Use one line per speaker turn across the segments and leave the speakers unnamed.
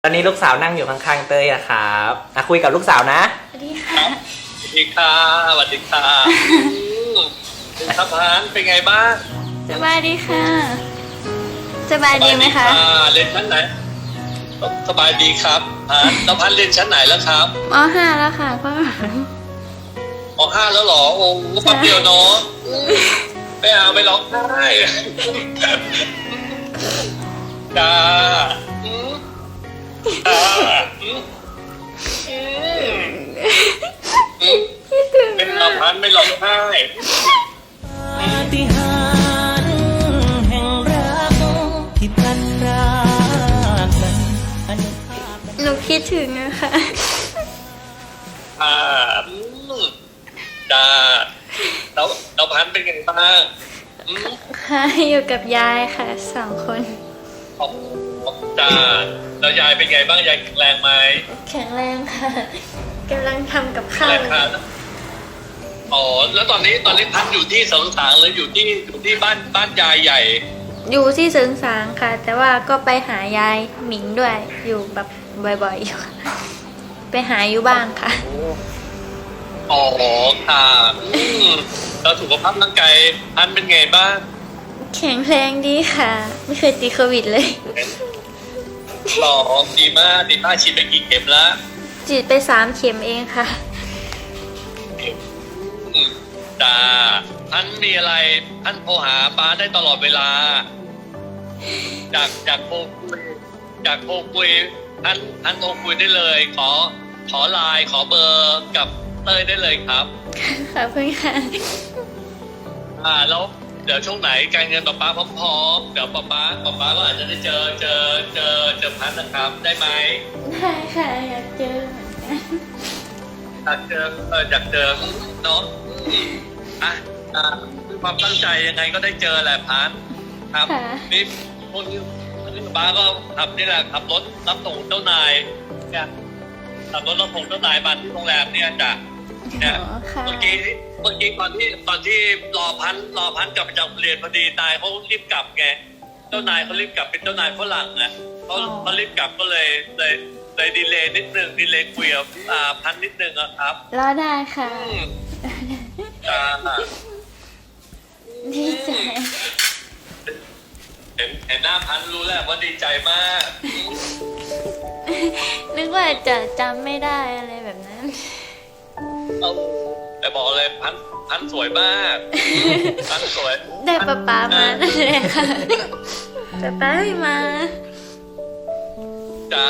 ตอนนี้ลูกสาวนั่งอยู่ข้างๆเต้ยนะครับคุยกับลูกสาวนะ
สวัสดีค่ะ
สวัสดีค่ะสวัสดีค่ะครับพานเป็นไงบ้าง
สบายดีค่ะสบายดีไหมคะ
เรียนชั้นไหนสบายดีครับพานแล้วพันเรียนชั้นไหนแล้วครับ
ม.5 แล้วค่ะพ่อ
ม.5 แล้วเหรอโอ้แป๊บเดียวเนาะไม่เอาไม่ร้องไห้จ้าเป็นเราพันไม่ร้องไห้
ปาฏิหาริย์แห่งรักที่พลันพรากนั้น
หนูคิดถึงนะคะ
จ้าเราพันเป็นไงบ้าง
ค่ะอยู่กับยายค่ะ2 คน
จ้าแล้วยายเป็นไงบ้างยายแข็งแรงไหม
แข็งแรงค่ะกำลังทำกับข้าว
อ๋อแล้วตอนนี้พันอยู่ที่เสริงสางหรืออยู่ที่บ้านยายใหญ่
อยู่ที่เสริงสางค่ะ แต่ว่าก็ไปหายายหมิงด้วยอยู่แบบบ่อยๆอยู่ไปหาอยู่บ้างค่ะ
อ๋อค่ะแล้วสุขภาพร่างกายพันเป็นไงบ้าง
แข็งแรงดีค่ะไม่เคยติดโควิดเลย
หล่อดีมากฉีดไปกี่เข็มแล้ว
ฉีดไป3 เข็มเองค่ะ
จ้าพันมีอะไรพันโทรหาป้าได้ตลอดเวลาจากโทรคุยพันโทรคุยได้เลยขอไลน์ขอเบอร์กับเต้ยได้เลยครับ
ขอบคุณค่ะ
แล้วเดี๋ยวช่วงไหนการเงินป้าพร้อมเดี๋ยวป้าก็อาจจะได้เจอพันนะครับได้ไหม
ได้ค่ะอยากเจอเหมือนกัน
อยากเจอเนาะความตั้งใจยังไงก็ได้เจอแหละพันครับนี่พวกนี้ป้าก็ขับนี่แหละขับรถรับส่งเจ้านายเนี่ยขับรถรับส่งเจ้านายมาที่โรงแรมเนี่ยจ้ะเนี่ยเมื่อกี้ตอนที่รอพันกลับมาจากเรียนพอดีนายเขารีบกลับไงเจ้านายเขารีบกลับเป็นเจ้านายฝรั่งนะเขารีบกลับก็เลยดีเลย์นิดนึงดีเลย์คุยกับพันนิดนึงครับ
รอได้ค่ะดีใจ
เห็นหน้าพันรู้แล้วว่าดีใจมาก
นึกว่าจะจำไม่ได้อะไรแบบนั้น
แต่บอกเลยพันสวยมากพันสวย
ได้ป๊ามานั่นเลยค่ะป๊าไม่มา
จ้า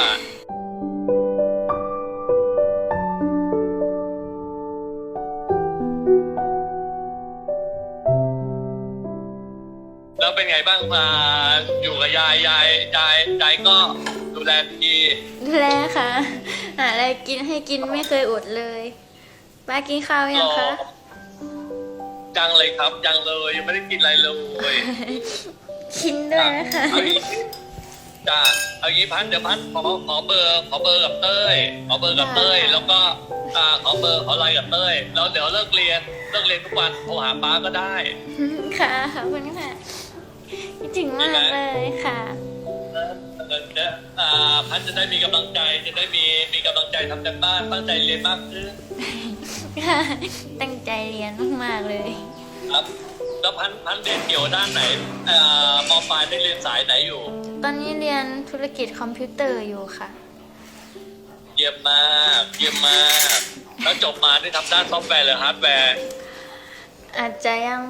แล้วเป็นไงบ้างมาอยู่กับยายก็ดูแลดี
ดูแลค่ะหาอะไรกินให้กินไม่เคยอดเลยป้ากินข้าวยังคะ
ยังเลยครับยังเลยยังไม่ได้กินอะไรเลย
กินด้วยนะคะ
จ้าเอางี้พันเดี๋ยวพันขอเบอร์กับเต้ยแล้วก็ขอไลน์กับเต้ยแล้วเดี๋ยวเลิกเรียนทุกวันโทรหาป้าก็ได้
ค่ะขอบคุณค่ะคิดถึงมากเลยค่ะ
พันจะได้มีกำลังใจมีกำลังใจทำการบ้านตั้งใจเรียนมากขึ้น
ค่ะตั้งใจเรียนมากๆเลย
ครับแล้วพันเรียนเกี่ยวด้านไหนม.ปลายได้เรียนสายไหนอยู่
ตอนนี้เรียนธุรกิจคอมพิวเตอร์อยู่ค่ะ
เยี่ยมมากแล้วจบมาได้ทำด้านซอฟต์แวร์หรือฮาร์ดแวร์
อาจจะยัง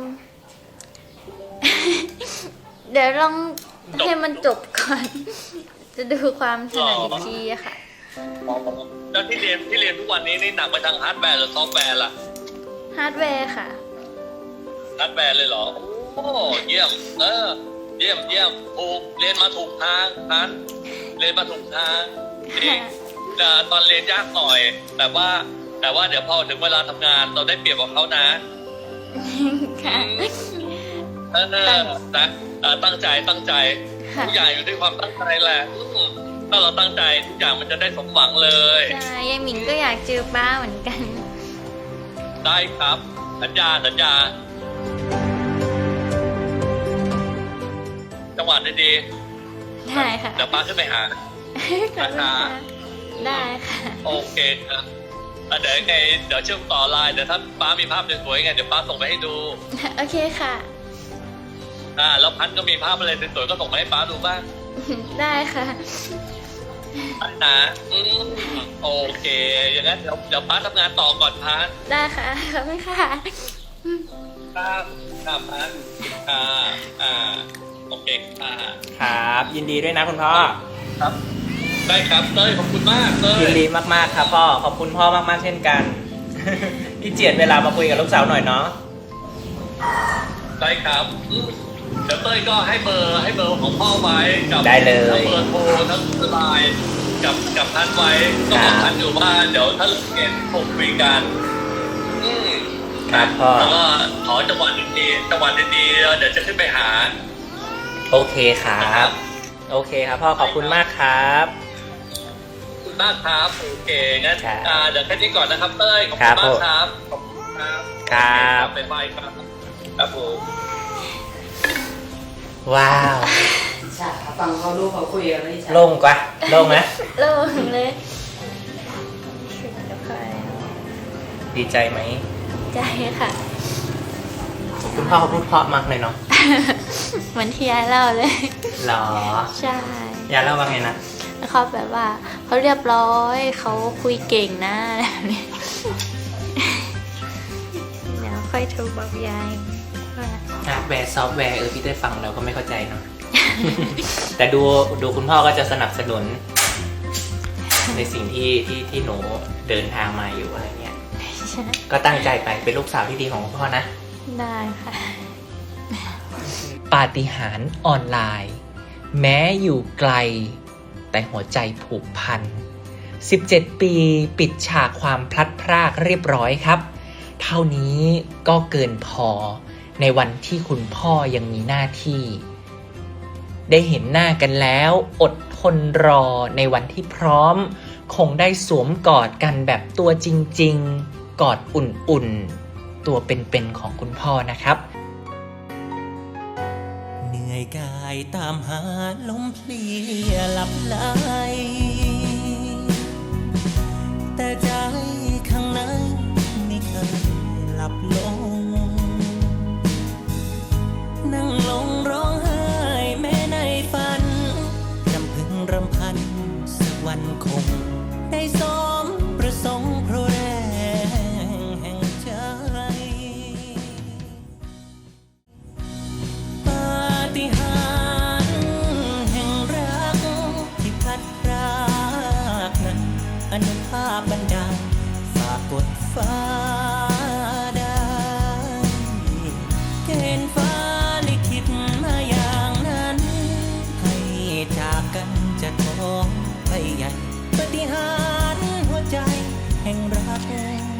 เดี๋ยวลองให้มันจบก่อนจะดูความถนัดอีกทีค่ะ
แล้วที่เรียนทุกวันนี้นี่หนักไปทางฮาร์ดแวร์หรือซอฟต์แวร์ล่ะ
ฮาร์ดแวร์ค่ะ
ฮาร์ดแวร์เลยเหรอโอ้เยี่ยมเยี่ยมถูกเรียนมาถูกทางพันเรียนมาถูกทางตอนเรียนยากหน่อยแต่ว่าเดี๋ยวพอถึงเวลาทำงานเราได้เปรียบกว่าเขานะ
ค่ะ
ตั้งใจทุกอย่างอยู่ด้วยความตั้งใจแหละถ้าเราตั้งใจทุกอย่างมันจะได้สมหวังเลย
ใช่ยายหมิงก็อยากเจอป้าเหมือนกัน
ได้ครับสัญญาจังหวะดี
ได้ค่ะ
เดี๋ยวป้าขึ้นไปหา
ขอบคุณค่ะได้ค่ะ
โอเคครับเดี๋ยวยังไงเดี๋ยวเชื่อมต่อไลน์เดี๋ยวถ้าป้ามีภาพสวยๆไงเดี๋ยวป้าส่งไปให้ดู
โอเคค่ะ
แล้วพันก็มีภาพอะไรสวยๆก็ส่งมาให้ป้าดูบ้าง
ได้ค่ะ
นะโอเคอย่างนั้นเดี๋ยวป้าทำงานต่อก่อนพัน
ได้ค่ะขอบคุณค่ะ
ครับพันโอเคค่ะ
ครับ ยินดีด้วยนะคุณพ่อ
ครับ ได้ครับเต้ยขอบคุณมากเต้ย
ยินดีมากๆครับพ่อ ขอบคุณพ่อมากๆเช่นกัน ที่เจียดเวลามาคุยกับลูกสาวหน่อยเนาะ
ได้ครับเดี๋ยวเต้ยก็ให้เบอร์ของพ่อไว้กับ
ได้เลย
ทั้งเบอร์โทรทั้งไลน์กับท่านไว้ก็บอกท่านอยู่ว่าเดี๋ยวถ้าเห็นผมคุยกัน
ครับพ่อ
แล้วก็ขอจังหวัดดีๆเดี๋ยวจะขึ้นไปหา
โอเคครับ โอเคครับพ่อ ขอบคุณมากครับ
ขอบคุณมากครับโอเคงั้น
ครับ
เดี๋ยวแค่นี้ก่อนนะครับเต้ยขอบ
ครั
คุ
บ
ณมากครับขอบคุณครับ
ครับ
บ๊ายบายครับครับผม
ว้าว
ใช่ค่ะฟังเขาลูกเขาคุยกันไม่ใช่
โล่งกว่าโล่งไหม
โล่งเลยถึงกับใคร
ดีใจไหม
ใจค่ะ
คุณพ่อเขาพูดเพราะมากเลยเนาะ
เหมือนที่ยายเล่าเลย
หรอ
ใช่
อย่าเล่าว่าไงนะ
แล้วเขาแบบว่าเขาเรียบร้อยเขาคุยเก่งนะแบบนี้เดี๋ยวค่อยโทรบอกยายว่า
ฮาร์ดแวร์ซอฟต์แวร์พี่ได้ฟังเราก็ไม่เข้าใจเนาะ แต่ดูคุณพ่อก็จะสนับสนุน ในสิ่งที่หนูเดินทางมาอยู่อะไรเงี้ย
ใช่
ก็ตั้งใจไปเป็นลูกสาวที่ดีของคุณพ่อนะ
ได้ค่ะ
ปาฏิหาริย์ออนไลน์ แม้อยู่ไกล แต่หัวใจผูกพัน 17 ปีปิดฉากความพลัดพรากเรียบร้อยครับ เท่านี้ก็เกินพอในวันที่คุณพ่อยังมีหน้าที่ ได้เห็นหน้ากันแล้วอดทนรอในวันที่พร้อม คงได้สวมกอดกันแบบตัวจริงๆ กอดอุ่นๆ ตัวเป็นๆของคุณพ่อนะครับ
เหนื่อยกายตามหาลมเพลียหลับไหลแต่ใจข้างในไม่เคยหลับลง นั่งลงร้องไห้แม้ในฝันรำพึงรำพันสักวันคง ได้สมประสงค์เพราะแรงแห่งใจ ปาฏิหาริย์แห่งรักที่พัดพรากนั้นอนุภาพบันดาลฝากกดฟ้าได้เกณฑ์ฟ้าลิขิตมาอย่างนั้น ให้จากกันจะท้องไปใหญ่ปาฏิหาริย์หัวใจแห่งรัก